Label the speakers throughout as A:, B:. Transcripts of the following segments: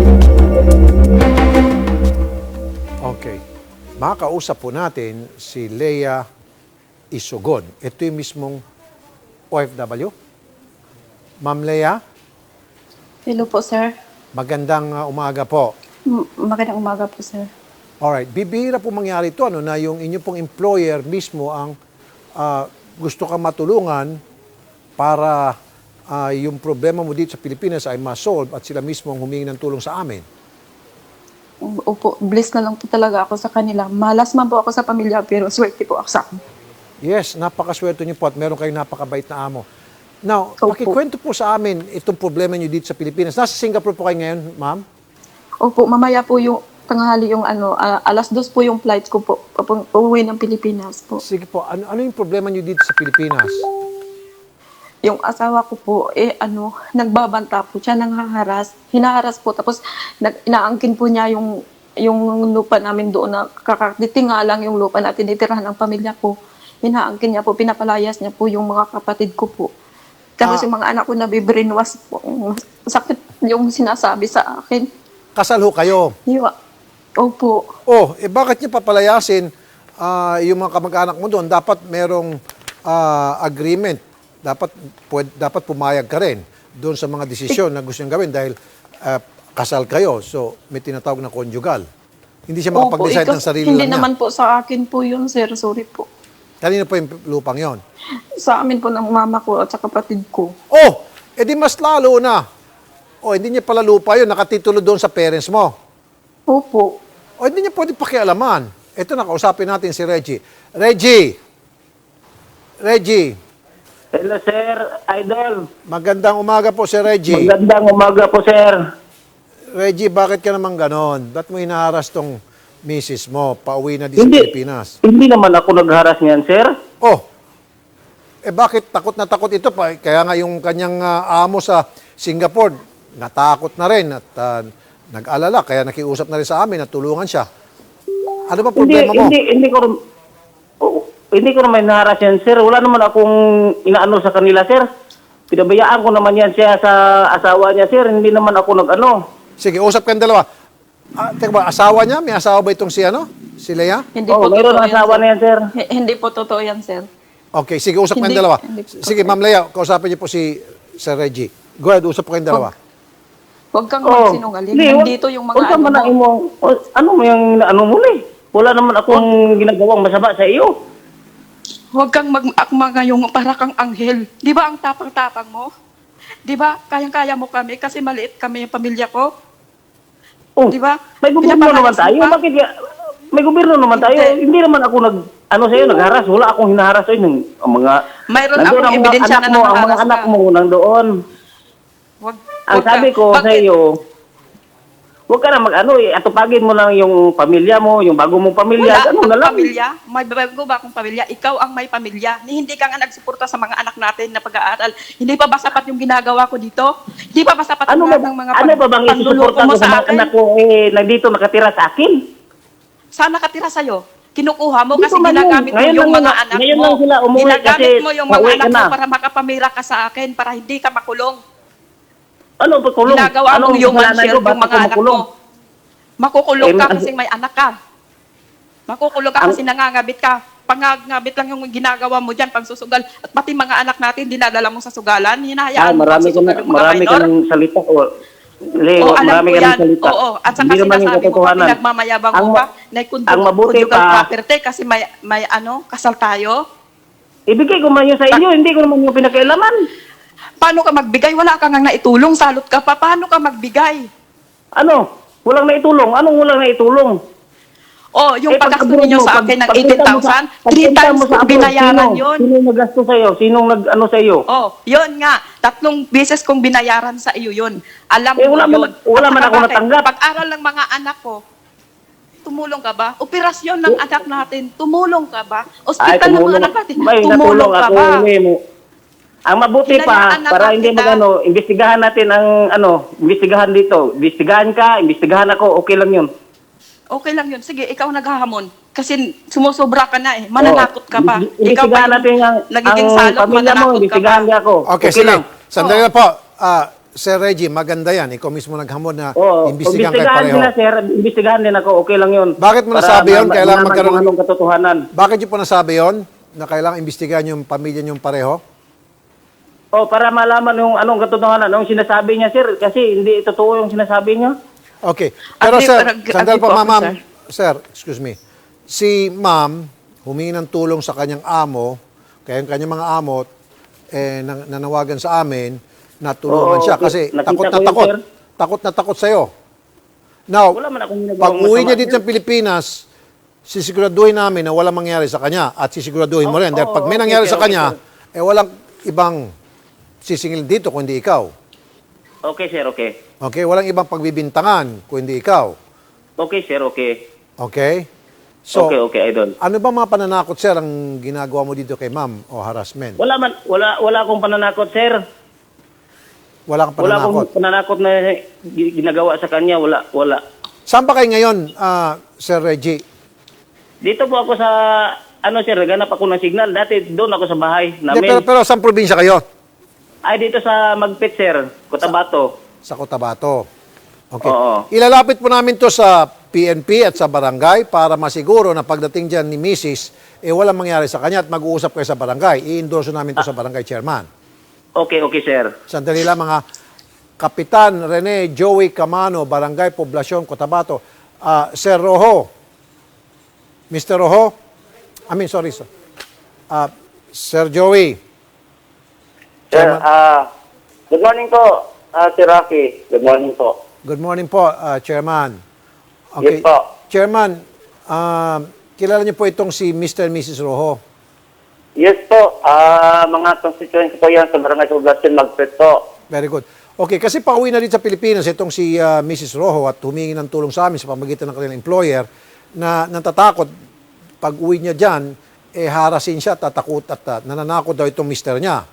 A: Okay. Makakausap po natin si Lea Isugon. Ito yung mismong OFW. Ma'am Lea,
B: Hello po, sir.
A: magandang umaga po.
B: Magandang umaga po, sir.
A: Alright, bibihira po mangyari ito na yung inyo pong employer mismo ang gusto kang matulungan para yung problema mo dito sa Pilipinas ay ma-solve at sila mismo ang humingi ng tulong sa amin.
B: Opo, blessed na lang po talaga ako sa kanila. Malas man po ako sa pamilya, pero swerte po ako sa akin.
A: Yes, napakaswerte niyo po at meron kayong napakabait na amo. Now,
B: Opo.
A: pakikwento po sa amin itong problema niyo dito sa Pilipinas. Nasa Singapore po kayo ngayon, ma'am?
B: Opo, mamaya po yung tanghali yung alas 2 po yung flight ko po, uuwi ng Pilipinas po.
A: Sige po, ano yung problema niyo dito sa Pilipinas?
B: Yung asawa ko po, nagbabanta po siya, nanghaharas, hinaharas po, tapos inaangkin po niya yung lupa namin doon na kakatitinga lang yung lupa na tinitirahan ng pamilya ko. Hinaangkin niya po, pinapalayas niya po yung mga kapatid ko po. Tapos yung mga anak ko nabibrainwash po. Sakit yung sinasabi sa akin.
A: Kasal ho kayo.
B: Opo.
A: Oh, bakit niya papalayasin yung mga kamag-anak mo doon? Dapat merong agreement. Dapat pumayag ka rin doon sa mga desisyon na gusto niyang gawin dahil kasal kayo. So, may tinatawag na conjugal. Hindi siya makapag-decide ng sarili
B: Hindi
A: lang niya.
B: naman po sa akin po yun, sir. Sorry po.
A: Kanino po yung lupang yon?
B: Sa amin po ng mama ko at sa kapatid ko.
A: Oh, edi mas lalo na. Oh, hindi niya pala lupa yun. Nakatitulo doon sa parents mo.
B: Opo.
A: O hindi niya pwede pakialaman. Ito na, kausapin natin si Reggie. Reggie!
C: Hello, sir. Idol.
A: Magandang umaga po si Reggie.
C: Magandang umaga po, sir.
A: Reggie, bakit ka naman ganon? Ba't mo hinaharas tong misis mo? Pauwi na di sa Pilipinas.
C: Hindi naman ako nagharas niyan, sir.
A: Oh, bakit takot na takot ito pa? Kaya nga yung kanyang amo sa Singapore, natakot na rin at nag-alala. Kaya nakiusap na rin sa amin na tulungan siya. Ano ba problema mo?
C: Hindi ko naman naharas yan, sir. Wala naman akong inaano sa kanila, sir. Pinabayaan ko naman yan siya sa asawa niya, sir. Hindi naman ako nag-ano.
A: Sige, usap kayong dalawa. Teka ba, asawa niya? May asawa ba itong si Si Lea?
B: Hindi po
C: mayroon
B: totoo
C: ang asawa na yan, sir.
B: Hindi po totoo yan, sir.
A: Okay, sige, usap kayong
B: Hindi-
A: dalawa.
B: hindi po.
A: Sige, Ma'am Lea, kausapin niyo po si Sir Reggie. Go ahead, usap po kayong dalawa.
B: Huwag kang magsinungaling.
C: Hindi,
B: Nandito yung mga
C: huwag kang manain mo. Ano mo yung ano mo ni? Wala naman akong ginagawang masama sa iyo.
B: Huwag kang mag-akma ngayong para kang anghel. Di ba ang tapang-tapang mo? Di ba? Kayang-kaya mo kami kasi maliit kami yung pamilya ko.
C: Oh,
B: Di ba?
C: may gobyerno naman
B: Pinapalayas mo
C: tayo.
B: pa.
C: Bakit may gobyerno naman tayo? Hindi naman ako hinaharas. Wala akong hinaharas sa inyo. Ang mga
B: Mayroon
C: nandoon
B: akong
C: ang mga
B: ebidensya
C: anak
B: na
C: mo, ang mga
B: nangaharas
C: anak
B: ka.
C: mo nandoon.
B: Wag,
C: Ang
B: wag
C: sabi
B: ka.
C: ko sa
B: Bakit?
C: iyo, huwag ka na atupagin mo lang yung pamilya mo, yung bago mong pamilya,
B: Wala
C: ano na
B: akong
C: lang.
B: pamilya. May babago ba akong pamilya? Ikaw ang may pamilya. Hindi ka nga nagsuporta sa mga anak natin na pag-aaral. Hindi pa ba sapat yung ginagawa ko dito? Hindi pa ba sapat
C: Ano
B: yung
C: ba,
B: lahat ng mga
C: ano ba bang
B: panluloko
C: isusuporta
B: mo
C: ko sa mga
B: akin?
C: anak ko nandito nakatira sa akin?
B: Saan nakatira sa'yo? Kinukuha mo
C: Dito
B: kasi
C: man yun.
B: ginagamit mo
C: Ngayon
B: yung
C: lang
B: mga
C: yun.
B: anak
C: Ngayon
B: mo.
C: lang sila umuwi
B: Ginagamit
C: kasi
B: mo yung mga
C: pauwi
B: anak
C: ka
B: mo
C: na.
B: para makapamira ka sa akin, para hindi ka makulong.
C: Ano pa kulong?
B: Ginagawa
C: Anong
B: mong human
C: kasalanan
B: shield
C: ko?
B: yung
C: Bakit
B: mga
C: ako
B: anak
C: makulong?
B: mo. Makukulong ka
C: Eh,
B: kasi may anak ka. Makukulong ka kasi nangangabit ka. Pangangabit lang yung ginagawa mo dyan, pangsusugal. At pati mga anak natin, dinadala mo sa sugalan. Hinahayaan mo
C: Marami ka
B: pangsusugal yung mga
C: marami ka
B: minor.
C: ng salita. Leo,
B: Oo, alam
C: marami
B: ko
C: ka ng
B: yan.
C: salita.
B: Oo, at saka
C: Hindi naman yung
B: sinasabi mo pa,
C: katotohanan.
B: pinagmamayabang
C: Ang
B: mo
C: ma-
B: pa, na
C: ang mabuti
B: conjugal
C: pa-
B: property kasi may kasal tayo.
C: Ibigay ko man yun sa inyo, hindi ko naman yung pinakailaman.
B: Paano ka magbigay? Wala ka nga naitulong, salot ka pa. Paano ka magbigay?
C: Ano? Walang naitulong. Anong walang naitulong?
B: Oh, yung paggasto
C: pagkabuhat
B: ninyo
C: mo,
B: sa akin ng
C: pagpunta mo
B: 18,000,
C: sa-
B: 3
C: pagpunta
B: times
C: mo sa
B: ko
C: abroad,
B: binayaran
C: sino?
B: yun.
C: Sinong nagasto sa'yo? Sinong nag-ano sa'yo?
B: Oh, yun nga. 3 beses kong binayaran sa iyo yun. Alam mo
C: wala
B: yun.
C: man- wala
B: At
C: man
B: saka
C: ako
B: bakit?
C: natanggap.
B: Pag-aral ng mga anak ko, tumulong ka ba? Operasyon ng anak natin, tumulong ka ba? Ospital ng mga anak natin,
C: May
B: tumulong ka
C: ako,
B: ba?
C: hindi mo. Ang mabuti pa,
B: Hinayaan na
C: para
B: ba
C: hindi
B: kita?
C: magano, imbestigahan natin ang imbestigahan dito. Imbestigahan ka, imbestigahan ako, okay lang yun.
B: Okay lang yun. Sige, ikaw naghahamon. Kasi sumusobra ka na eh. Mananakot ka pa. Ikaw pa
C: Imbestigahan natin ang
B: nagiging
C: ang
B: salot,
C: pamilya mo,
B: mananakot ka pa.
C: imbestigahan niya ako.
A: Okay, sige.
C: lang.
A: Sandali na po. Sir Reggie, maganda yan. Ikaw mismo naghamon na
C: Oo,
A: imbestigahan kayo
C: imbestigahan
A: pareho.
C: sila, sir. Imbestigahan din ako. Okay lang yun.
A: Bakit mo nasabi yun? Kailangan
C: malaman
A: magkaroon
C: kung anong katotohanan.
A: Bakit niyo po nasabi yon na kailangan imbestigahan yung pamilya niyong pareho?
C: Oh, para malaman yung anong katotohanan, anong sinasabi niya, sir. Kasi hindi totoo yung sinasabi niya.
A: Okay. Pero
B: Ate,
A: sir,
B: parang-
A: sandal
B: ate
A: po,
B: po ako,
A: ma'am.
B: sir.
A: Sir, excuse me. Si ma'am, humingi ng tulong sa kanyang amo, kaya yung kanyang mga amo, nanawagan sa amin na tulungan
C: Oo,
A: siya kasi
C: nakita
A: takot
C: ko
A: na
C: yun,
A: takot.
C: sir.
A: Takot na takot sa'yo. Now,
C: Wala man akong ginagawang
A: pag uwi
C: masama,
A: niya dito
C: sir.
A: sa Pilipinas, sisiguraduhin namin na walang mangyari sa kanya at sisiguraduhin mo rin. Dahil pag may
C: okay,
A: nangyari
C: sir,
A: sa kanya,
C: okay,
A: walang ibang sisingil dito kundi ikaw.
C: Okay, sir, okay.
A: Okay? Walang ibang pagbibintangan kundi ikaw.
C: Okay, sir, okay.
A: Okay? So,
C: okay, idol.
A: ano ba mga pananakot, sir, ang ginagawa mo dito kay ma'am o harassment?
C: Wala akong pananakot, sir.
A: Wala kang
C: Wala
A: pananakot.
C: akong pananakot na ginagawa sa kanya. Wala.
A: Saan ba kayo ngayon, Sir Reggie?
C: Dito po ako sa, sir, naghanap ako ng signal. Dati doon ako sa bahay
A: Hindi,
C: namin.
A: pero saan probinsya kayo?
C: Ay, dito sa Magpit, sir. Cotabato.
A: Sa Cotabato. Okay.
C: Oo.
A: Ilalapit po namin to sa PNP at sa barangay para masiguro na pagdating dyan ni Mrs., walang mangyari sa kanya at mag-uusap kayo sa barangay. I-endorse namin to sa barangay chairman.
C: Okay, sir.
A: Sandali lang mga Kapitan Rene Joey Camano, Barangay Poblacion, Cotabato. Sir Rojo. Mr. Rojo? Sorry, sir. Sir Joey.
D: Sir, good morning po, Sir Rocky. Good morning po.
A: Good morning po, Chairman. Okay.
D: Yes po.
A: Chairman, kilala niyo po itong si Mr. and Mrs. Rojo.
D: Yes po, mga constituents po yan sa Barangay Poblacion Magpet po.
A: Very good. Okay, kasi pauwi na rin sa Pilipinas itong si Mrs. Rojo at humingi ng tulong sa amin sa pamagitan ng kanilang employer na natatakot pag uwi niya dyan, harasin siya, tatakot at nananakot daw itong mister niya.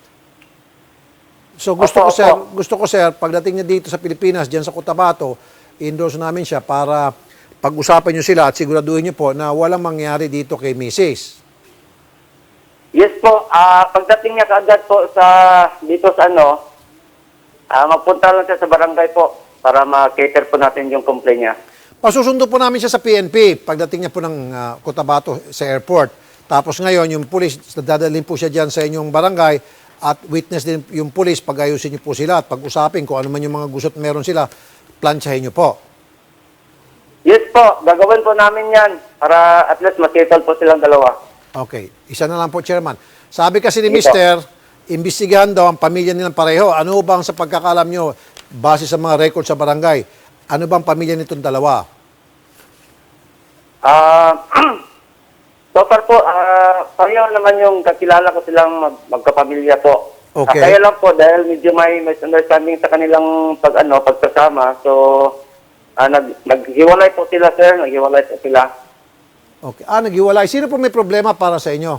A: So gusto ko sir, pagdating niya dito sa Pilipinas, diyan sa Cotabato, i-endorse namin siya para pag-usapan niyo sila at siguraduhin niyo po na walang mangyari dito kay Mrs.
D: Yes po, pagdating niya kaagad po dito sa magpunta lang siya sa barangay po para ma-cater po natin yung complaint niya.
A: Pasusundo po namin siya sa PNP pagdating niya po ng Cotabato sa airport. Tapos ngayon, yung pulis, dadalhin po siya dyan sa inyong barangay at witness din yung pulis, pag-ayusin niyo po sila at pag-usapin kung ano man yung mga gusto't meron sila, plansyahin niyo po.
D: Yes po, gagawin po namin yan para at least ma-settle po silang dalawa.
A: Okay. Isa na lang po, Chairman. Sabi kasi ni
D: Sige po.
A: Mister, imbestigahan daw ang pamilya nilang pareho. Ano bang sa pagkakalam nyo, base sa mga record sa barangay, ano bang pamilya nitong dalawa?
D: So far po, pareho naman yung kakilala ko silang magkapamilya po.
A: Okay.
D: Kaya lang po, dahil medyo may misunderstanding sa kanilang pagsasama, so naghiwalay po sila, sir. Naghiwalay po sila.
A: Okay. Naghiwalay. Sino po may problema para sa inyo?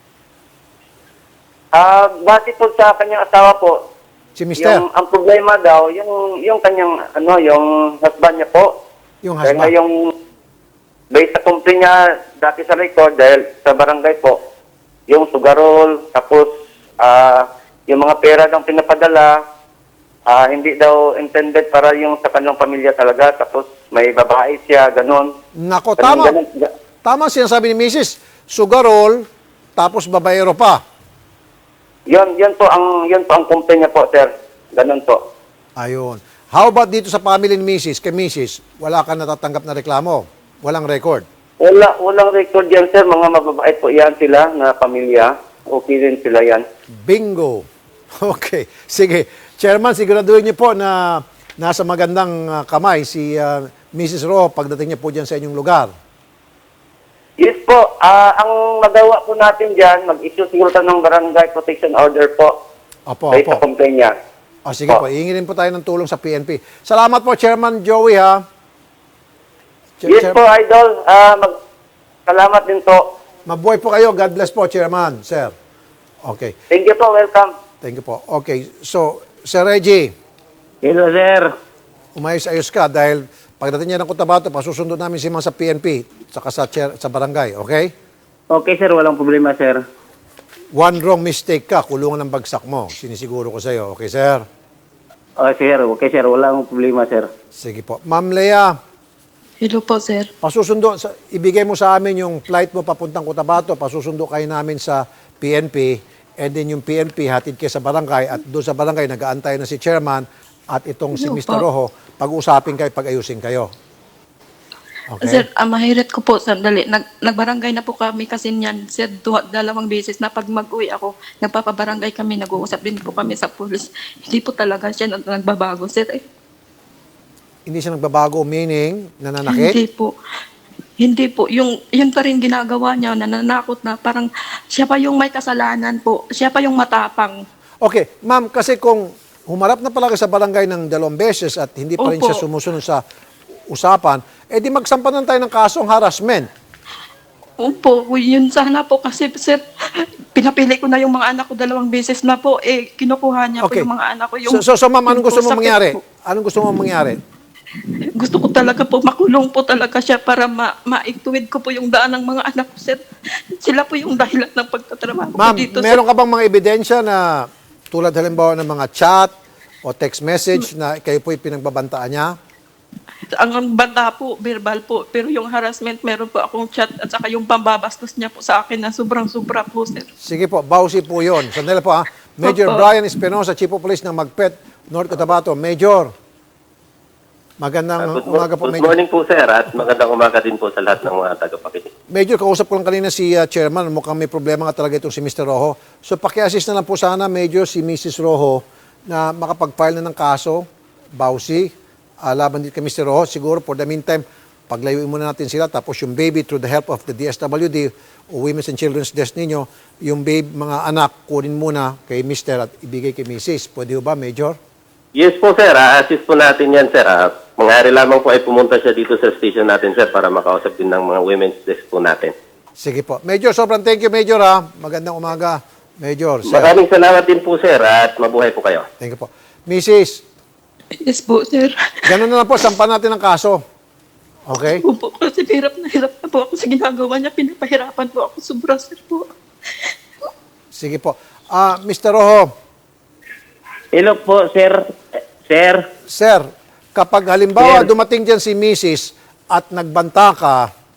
D: Base po sa kanyang asawa po,
A: Si Mister?
D: ang problema daw, yung kanyang, yung husband niya po.
A: Yung
D: Dahil
A: husband?
D: nga yung, based sa complaint niya dati sa record, dahil sa barangay po, yung sugarol, tapos yung mga pera daw pinapadala, hindi daw intended para yung sa kanyang pamilya talaga, tapos may babae siya, ganun.
A: Nako,
D: Ganun.
A: Tama sinasabi ni Mrs. Sugarol, tapos babayero pa.
D: Yun po ang complaint niya po, sir. Ganun po.
A: Ayun. How about dito sa family ni Mrs. Kay Mrs., wala ka natatanggap na reklamo? Walang record?
D: Walang record yan, sir. Mga mababait po yan sila na pamilya. Okay din sila yan.
A: Bingo. Okay. Sige. Chairman, siguraduhin niyo po na nasa magandang kamay si Mrs. Rojo pagdating niya po dyan sa inyong lugar.
D: Yes po. Ang magawa po natin dyan, mag-issue siguro tayo ng barangay protection order po.
A: Opo,
D: Based
A: opo.
D: sa complaint niya.
A: O sige po, iingin po tayo ng tulong sa PNP. Salamat po, Chairman Joey, ha?
D: Yes po, Idol. Salamat din po.
A: Mabuhay po kayo. God bless po, Chairman, sir. Okay.
D: Thank you po. Welcome.
A: Thank you po. Okay. So, Sir Reggie,
C: Hello, sir.
A: umayos-ayos ka dahil pagdating niya ng Cotabato, pasusundo namin si Ma'am sa PNP saka sa barangay, okay?
C: Okay, sir. Walang problema, sir.
A: One wrong mistake ka, kulungan ng bagsak mo. Sinisiguro ko sa iyo, okay, sir?
C: Okay, sir. Walang problema, sir.
A: Sige po. Ma'am Lea,
B: Hello po, sir.
A: ibigay mo sa amin yung flight mo papuntang Cotabato, pasusundo kayo namin sa PNP, and then yung PNP hatid kayo sa barangay, at doon sa barangay nag-aantay na si chairman at itong si
B: Ano
A: Mr.
B: po?
A: Rojo, pag-usapin kayo, pag-ayusin kayo.
B: Sir, mahirit ko po, sandali. Nagbarangay na po kami kasi niyan. Sir, 2 beses na pag mag-uwi ako, nagpapabarangay kami, nag-uusap din po kami sa pulis. Hindi po talaga siya nagbabago, sir.
A: Hindi siya nagbabago, meaning nananakit?
B: Hindi po. Hindi po. Yun pa rin ginagawa niya, nananakot na. Parang siya pa yung may kasalanan po. Siya pa yung matapang.
A: Okay, ma'am, kasi kung humarap na pala kayo sa barangay ng 2 beses at hindi pa rin
B: Opo.
A: siya sumusunod sa usapan, di magsampanan tayo ng kasong harassment.
B: Opo, yun sana po kasi sir, pinapili ko na yung mga anak ko 2 beses na po. Kinukuha niya po yung mga anak ko.
A: So ma'am, anong gusto mo
B: sakit
A: mangyari?
B: po.
A: Anong gusto mo mangyari?
B: Gusto ko talaga po, makulong po talaga siya para maituwid ko po yung daan ng mga anak ko, sir. Sila po yung dahilan ng pagtatrabaho ko
A: Ma'am,
B: dito,
A: meron ka bang mga ebidensya na tulad halimbawa ng mga chat o text message na kayo po'y pinagbabantaan niya?
B: sir. Ang banda po, verbal po. Pero yung harassment, meron po akong chat at saka yung pambabastos niya po sa akin na sobrang-sobra po, sir.
A: Sige po, bawsi po yun. Sandali po ha. Major
B: Opo.
A: Brian Espinosa, Chief of Police ng Magpet, North Cotabato. Major, magandang umaga po,
E: Good
A: Major.
E: morning po, sir, at magandang umaga din po sa lahat ng mga tagapakinig.
A: Major, kausap ko lang kanina si Chairman. Mukhang may problema nga talaga itong si Mr. Rojo. So paki-assist na lang po sana, Major, si Mrs. Rojo na makapag-file na ng kaso, bawsi, laban din kay Mr. Rojo. Siguro, for the meantime, paglayuin muna natin sila. Tapos yung baby, through the help of the DSWD o Women's and Children's Desk ninyo, yung babe, mga anak, kunin muna kay Mr. at ibigay kay Mrs. Pwede ba, Major?
E: Yes po, sir. Assist po natin yan, sir. Mangyari lamang po ay pumunta siya dito sa station natin, sir, para makausap din ng mga women's desk po natin.
A: Sige po. Major, sobrang thank you, Major, ha. Magandang umaga, Major. Sir.
E: Maraming salamat din po, sir, at mabuhay po kayo.
A: Thank you po. Mrs.,
B: Yes po, sir.
A: ganun na lang po, sampan natin ang kaso. Okay?
B: Opo, kasi hirap na po ako sa ginagawa niya. Pinapahirapan po ako. Sobra, sir po.
A: Sige po. Mr. Rojo,
C: Hello po, sir. Sir.
A: sir, kapag halimbawa
C: Sir.
A: dumating dyan si Mrs. at nagbanta ka,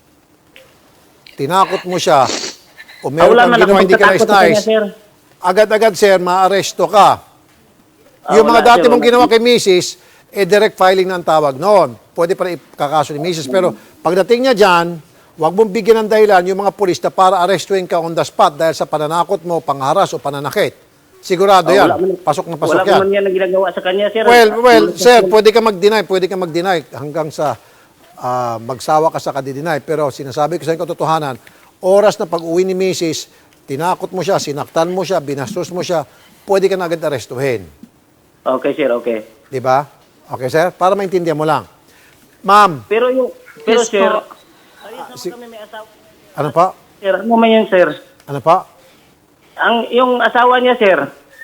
A: tinakot mo siya, o meron
C: Wala
A: kang
C: man
A: ginawa
C: akong
A: hindi ka
C: tatakot sa kanya,
A: nais-nais,
C: sir.
A: agad-agad, sir, maaresto ka. Yung mga
C: Wala,
A: dati
C: sir,
A: mong
C: wala.
A: ginawa kay Mrs., direct filing na ang tawag noon. Pwede pa rin ikakaso ni Mrs. Pero pagdating niya dyan, huwag mong bigyan ng dahilan yung mga pulis na para arestuin ka on the spot dahil sa pananakot mo, pangharas o pananakit. Sigurado yan. Pasok na pasok
C: Wala
A: yan.
C: ko man yan ang ginagawa sa kanya, sir.
A: Well, sir, pwede ka mag-deny hanggang sa magsawa ka sa kadi-deny. Pero sinasabi ko sa inyo katotohanan, oras na pag-uwi ni Mrs., tinakot mo siya, sinaktan mo siya, binastos mo siya, pwede ka na agad arestuhin.
C: Okay, sir, okay.
A: Di ba? Okay, sir? Para maintindihan mo lang. Ma'am,
C: Pero
B: Yes
C: sir,
B: po.
C: kami may asawa.
A: ano pa?
C: Sir, ano man yan, sir?
A: Ano pa?
C: Yung asawa niya, sir.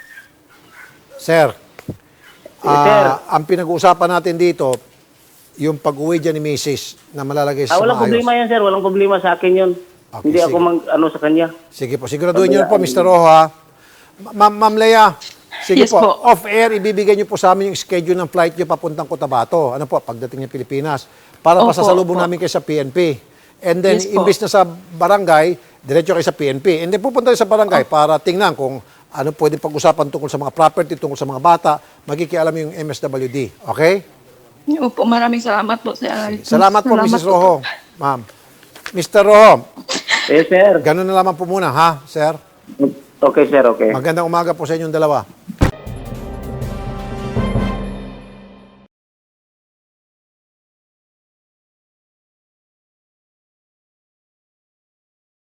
A: Sir,
C: Sir.
A: ang pinag-uusapan natin dito, yung pag-uwi dyan ni Mrs. na malalagay sa
C: Walang
A: maayos.
C: problema yan, sir. Walang problema sa akin yun.
A: Okay,
C: Hindi ako
A: sige.
C: sa kanya.
A: Sige po, siguraduhin niyo po, Mr. Rojo, ha? Ma'am Lea, sige
B: Yes
A: po,
B: po.
A: off-air, ibibigay niyo po sa amin yung schedule ng flight niyo papuntang Cotabato. Ano po, pagdating niya Pilipinas. Para
B: Opo,
A: pasasalubong
B: opo.
A: namin kayo sa PNP. And then,
B: Yes po.
A: imbis na sa barangay, diretso kayo sa PNP. And then, pupunta kayo sa barangay para tingnan kung ano pwede pag-usapan tungkol sa mga property, tungkol sa mga bata. Magkikialam yung MSWD. Okay?
B: Opo, maraming salamat po, sir.
A: Salamat po, Mrs.
B: po.
A: Rojo. Ma'am. Mr. Rojo,
C: Sir.
A: ganun na lamang po muna, ha, sir?
C: Okay, sir, okay.
A: Magandang umaga po sa inyong dalawa.